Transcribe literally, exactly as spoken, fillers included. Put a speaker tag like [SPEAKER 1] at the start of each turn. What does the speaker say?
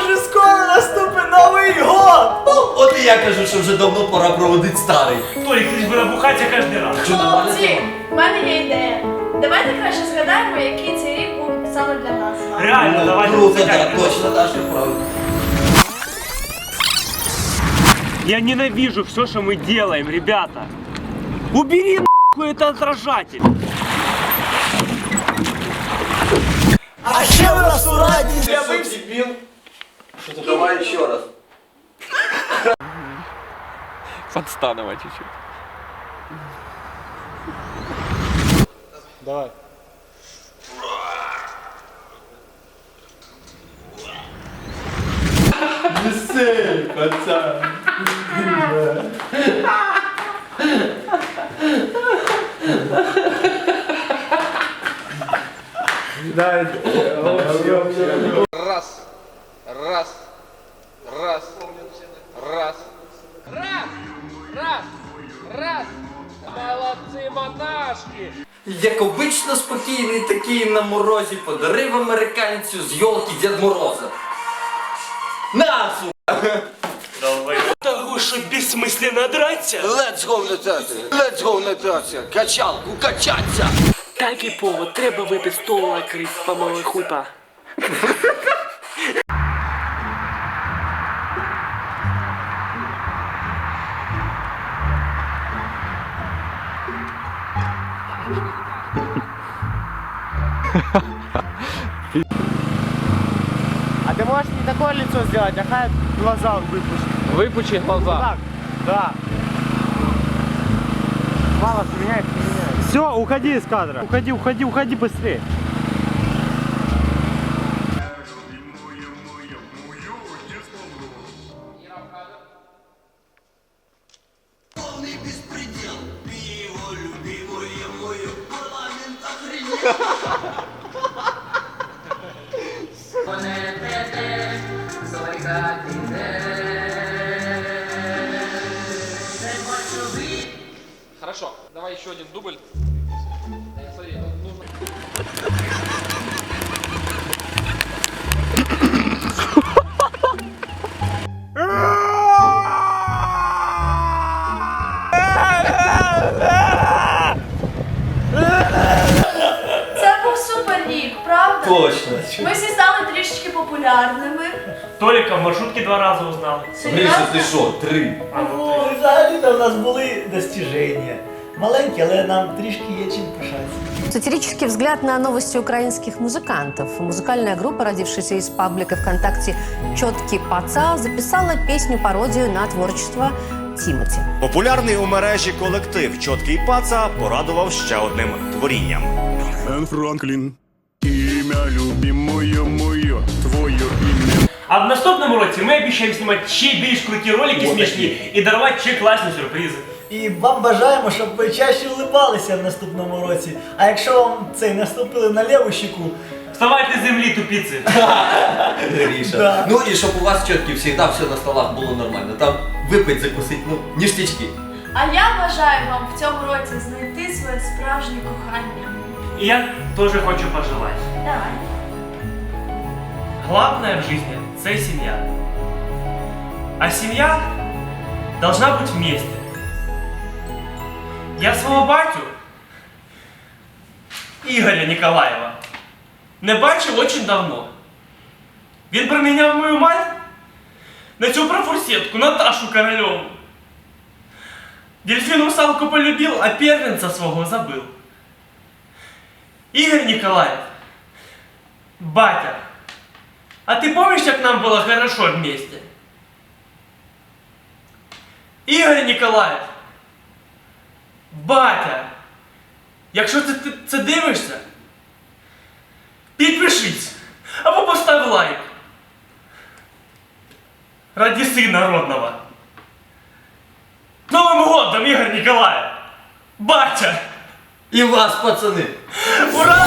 [SPEAKER 1] уже скоро наступить Новий год!
[SPEAKER 2] Ну, от і я кажу, що вже давно пора проводити старий.
[SPEAKER 3] Толік, ти ж би набухатися кожен раз.
[SPEAKER 4] Хлопці, в мене є ідея. Давайте краще згадаємо, який цей рік був саме для нас.
[SPEAKER 3] Реально,
[SPEAKER 2] Ну,
[SPEAKER 3] давайте.
[SPEAKER 2] круто, так,
[SPEAKER 3] згадаємо.
[SPEAKER 2] точно, Даша, правда.
[SPEAKER 3] Я ненавижу все, что мы делаем, ребята. Убери нахуй это отражатель.
[SPEAKER 1] А ще в нас у раді
[SPEAKER 2] Ты
[SPEAKER 1] з'явився.
[SPEAKER 2] что, дебил? Что-то давай еще раз.
[SPEAKER 5] Подстанова чуть-чуть.
[SPEAKER 1] Давай.
[SPEAKER 2] Весель, пацан.
[SPEAKER 5] Раз, раз, раз, раз, раз, раз, раз. Молодцы, монашки!
[SPEAKER 2] Як обично спокійний такий на морозі подарив американцю з йолки Дед Мороза. На, сука!
[SPEAKER 3] Того, что бессмысленно драться.
[SPEAKER 6] Let's go на театр! Let's go на театр! Качалку качаться!
[SPEAKER 7] Так і повод, треба випити стол накрить, по-моєму, хуйта.
[SPEAKER 1] А ты можешь не такое лицо сделать, а хай глаза выпустить.
[SPEAKER 5] Выпучи глаза.
[SPEAKER 1] Так, да. Мало, меняет, меняет. Все, уходи из кадра. Уходи, уходи, уходи быстрее.
[SPEAKER 5] Хорошо, давай еще один дубль. Э, Смотри, ну, нужно...
[SPEAKER 4] Це був супер рік, правда?
[SPEAKER 2] Точно.
[SPEAKER 4] Ми всі стали трішечки популярними.
[SPEAKER 3] Толика в маршрутке два раза узнал.
[SPEAKER 2] Гриша, ти що, три?
[SPEAKER 1] Ну, взагалі-то в нас були достиження. Маленькі, але нам трішки є чим пишатися.
[SPEAKER 8] Сатирический взгляд на новости украинских музыкантов. Музыкальная группа, родившаяся из паблика ВКонтакте «Чёткий паца», записала песню-пародию на творчество Тімоті.
[SPEAKER 9] Популярний у мережі колектив «Чоткий паца» порадував ще одним творінням.
[SPEAKER 10] Бен Франклін, ім'я любимое моє, твоє ім'я.
[SPEAKER 3] А в наступному році ми обіцяємо знімати ще більш круті ролики смішні і дарувати ще класні сюрпризи.
[SPEAKER 1] І вам бажаємо, щоб ви чаще улибалися в наступному році. А якщо вам цей наступили на ліву щеку,
[SPEAKER 3] Вставайте з землі, тупиці.
[SPEAKER 2] Гриша.
[SPEAKER 1] Да.
[SPEAKER 2] Ну і щоб у вас чітки завжди все на столах було нормально. Там випить, закусить, ну, ніштячки.
[SPEAKER 4] А я бажаю вам в цьому році знайти своє справжнє кохання.
[SPEAKER 3] І я теж хочу пожелати.
[SPEAKER 4] Давай.
[SPEAKER 3] Главное в жизни – это семья. А семья должна быть вместе. Я свого батю, Ігоря Ніколаєва, не бачив очень давно. Він проміняв мою мать на цю профурсетку, Наташу Корольову. Дельфин русалку полюбил, а первенца свого забыл. Игорь Николаев, батя, а ты помнишь, как нам было хорошо вместе? Игорь Николаев, батя, якщо ти це, це дивишся, підпишись або постав лайк. Ради сына родного. С Новым годом, Игорь Николаев! Батя!
[SPEAKER 2] І вас, пацани!
[SPEAKER 3] Ура!